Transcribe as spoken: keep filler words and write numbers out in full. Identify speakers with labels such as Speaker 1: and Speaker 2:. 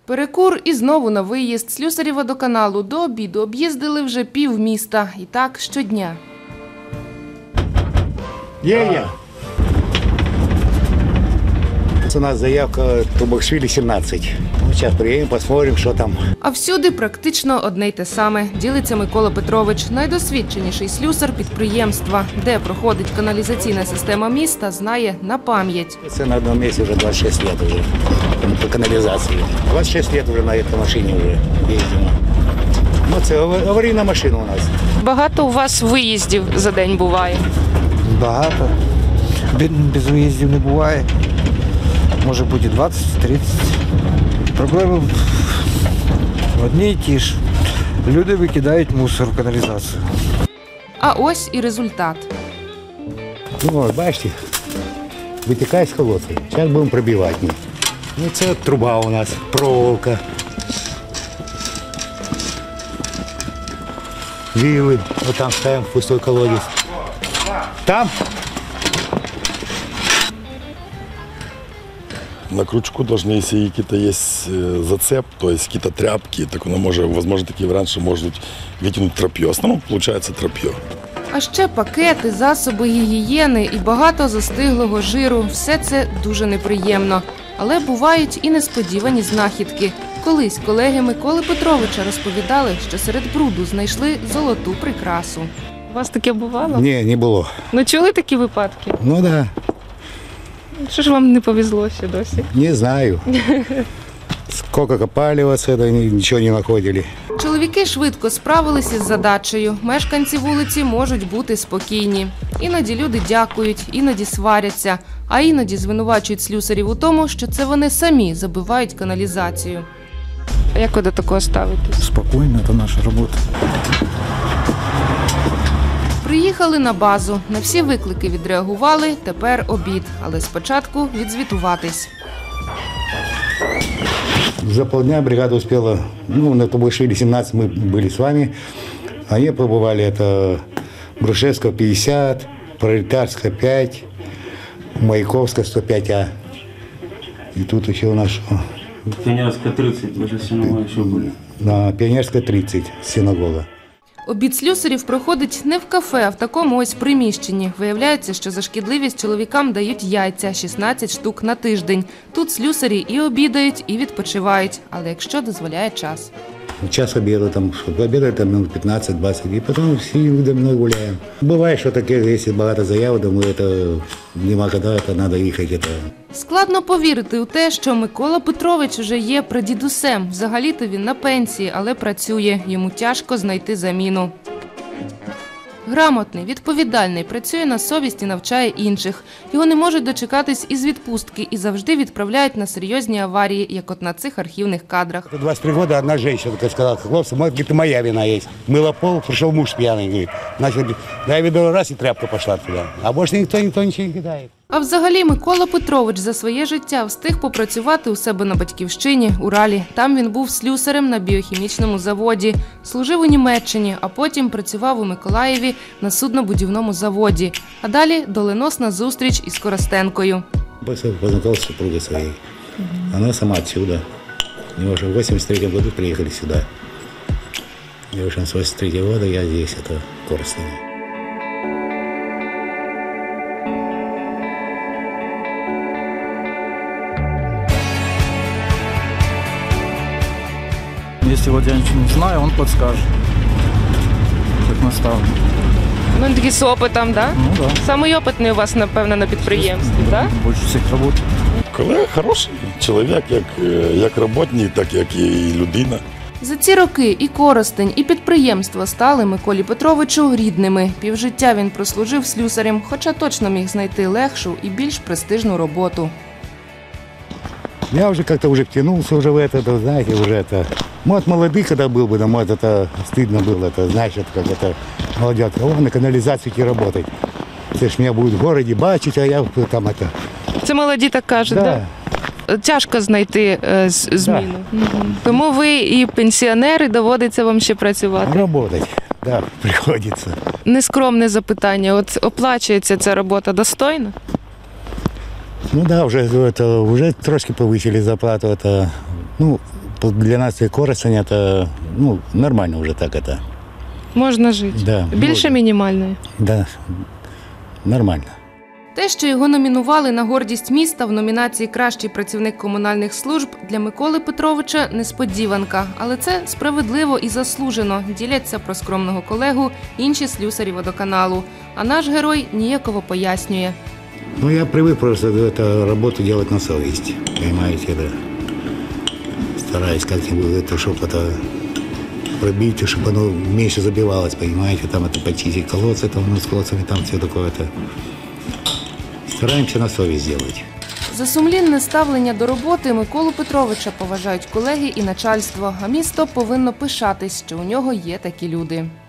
Speaker 1: Перекур і знову на виїзд. Слюсарі водоканалу до обіду об'їздили вже пів міста. І так щодня.
Speaker 2: Є-є. У нас заявка Трубашвили сімнадцять. Зараз приїдемо, посмотрим, що там.
Speaker 1: А всюди практично одне й те саме. Ділиться Микола Петрович. Найдосвідченіший слюсар підприємства. Де проходить каналізаційна система міста, знає на пам'ять.
Speaker 2: Це на одному місці вже двадцять шість років вже по каналізації. двадцять шість років вже на цій машині вже їздимо. Ну, це аварійна машина у нас.
Speaker 1: Багато у вас виїздів за день буває?
Speaker 3: Багато. Без виїздів не буває. Може бути двадцять-тридцять. Проблеми одні й ті ж. Люди викидають мусор в каналізацію.
Speaker 1: А ось і результат.
Speaker 2: Ну, ось, бачите, витікає з колодця. Зараз будемо пробивати. Ну, це труба у нас, проволока. Вилы. Вот там ставим пустой колодец. Там?
Speaker 4: На крючку должны, если какие-то есть зацеп, то есть какие-то тряпки, так оно может, возможно, такие варианты, что может вытянуть тропье. В основном получается тропье.
Speaker 1: А ще пакети, засоби гігієни і багато застиглого жиру. Все це дуже неприємно. Але бувають і несподівані знахідки. Колись колеги Миколи Петровича розповідали, що серед бруду знайшли золоту прикрасу. У вас таке бувало?
Speaker 2: Ні, не було.
Speaker 1: Ну чули такі випадки?
Speaker 2: Ну так. Да.
Speaker 1: Що ж вам не повезло ще досі?
Speaker 2: Не знаю. Сколько копали оце, нічого не знаходили.
Speaker 1: Чоловіки швидко справилися з задачею. Мешканці вулиці можуть бути спокійні. Іноді люди дякують, іноді сваряться, а іноді звинувачують слюсарів у тому, що це вони самі забивають каналізацію. А як ви до такого ставитесь?
Speaker 3: Спокійно, це наша робота.
Speaker 1: Приїхали на базу. На всі виклики відреагували, тепер обід. Але спочатку відзвітуватись.
Speaker 2: За полдня бригада успела, ну, на Трубашвили сімнадцять мы были с вами. Они побывали, это Брушевского пятьдесят, Пролетарская пять, Маяковская сто пять А. И тут еще у нас что?
Speaker 5: Пионерская тридцать, возле синагоги еще были.
Speaker 2: Да, Пионерская тридцать, синагога.
Speaker 1: Обід слюсарів проходить не в кафе, а в такому ось приміщенні. Виявляється, що за шкідливість чоловікам дають яйця – шістнадцять штук на тиждень. Тут слюсарі і обідають, і відпочивають, але якщо дозволяє час.
Speaker 2: Час обеда, там, обедаем там минут пятнадцать-двадцать, и потом все домой гуляем. Бывает, что такие, если багато заяв, думаю, это нема когда, это надо ехать. Это.
Speaker 1: Складно повірити у те, що Микола Петрович вже є прадідусем. Взагалі-то він на пенсії, але працює. Йому тяжко знайти заміну. Грамотний, відповідальний, працює на совість і навчає інших. Його не можуть дочекатись із відпустки і завжди відправляють на серйозні аварії, як от на цих архівних кадрах.
Speaker 2: двадцать три года одна женщина сказала, хлопцы, говорит, моя вина есть. Мыла пол, пришел муж пьяный, говорит, начал, да я видел раз, и тряпка пошла туда. А больше никто, никто ничего не кидает.
Speaker 1: А взагалі Микола Петрович за своє життя встиг попрацювати у себе на батьківщині, Уралі. Там він був слюсарем на біохімічному заводі, служив у Німеччині, а потім працював у Миколаєві на суднобудівному заводі. А далі доленосна зустріч із Коростенкою.
Speaker 2: Познакомился с супругой своей. Она сама отсюда. Мы уже в восемьдесят третьем году приехали сюда. И уже с восемьдесят третьего года я здесь, это в Коростене.
Speaker 3: Если вот я ничего не знаю, он подскажет. Как наставник.
Speaker 1: Ну, такий з опитом, так?
Speaker 3: Ну да.
Speaker 1: Самий опитний у вас, напевно, на підприємстві, так?
Speaker 3: Більше всіх працює.
Speaker 4: Колега хороший чоловік, як, як роботник, так як і людина.
Speaker 1: За ці роки і Коростень, і підприємство стали Миколі Петровичу рідними. Півжиття він прослужив слюсарем, хоча точно міг знайти легшу і більш престижну роботу.
Speaker 2: Я уже как-то уже втянулся уже в это, знаете, уже это. Может, молодый, когда был бы, да, может, это стыдно было, это, знаешь, это как это, молодят, о, на канализацию идти работать. Це ж меня будут в городе бачить, а я там это.
Speaker 1: Це молоді так кажуть,
Speaker 2: да?
Speaker 1: Да? Тяжко знайти е, зміну.
Speaker 2: Да.
Speaker 1: Угу. Тому ви і пенсіонери, доводиться вам ще працювати.
Speaker 2: Работать, да, приходится.
Speaker 1: Нескромне запитання, от оплачується ця робота достойно?
Speaker 2: Ну да, уже, это, уже трошки повысили зарплату, это, ну, для нас и Коростень это, ну, нормально уже так это.
Speaker 1: Можна жити.
Speaker 2: Да,
Speaker 1: Більше
Speaker 2: можна.
Speaker 1: мінімальної.
Speaker 2: Да, нормально.
Speaker 1: Те, що його номінували на гордість міста в номінації «Кращий працівник комунальних служб» для Миколи Петровича – несподіванка. Але це справедливо і заслужено, діляться про скромного колегу інші слюсарі водоканалу. А наш герой ніяково пояснює.
Speaker 2: Ну, я привык просто эту работу делать на совесть, понимаете, да. Стараюсь как-нибудь это, чтобы это пробить, чтобы оно меньше забивалось, понимаете, там это почистить колодцы, там, ну, с колодцами, там все такое-то. Стараемся на совесть делать.
Speaker 1: За сумлінне ставлення до роботи Миколу Петровича поважають колеги і начальство, а місто повинно пишатись, що у нього є такі люди.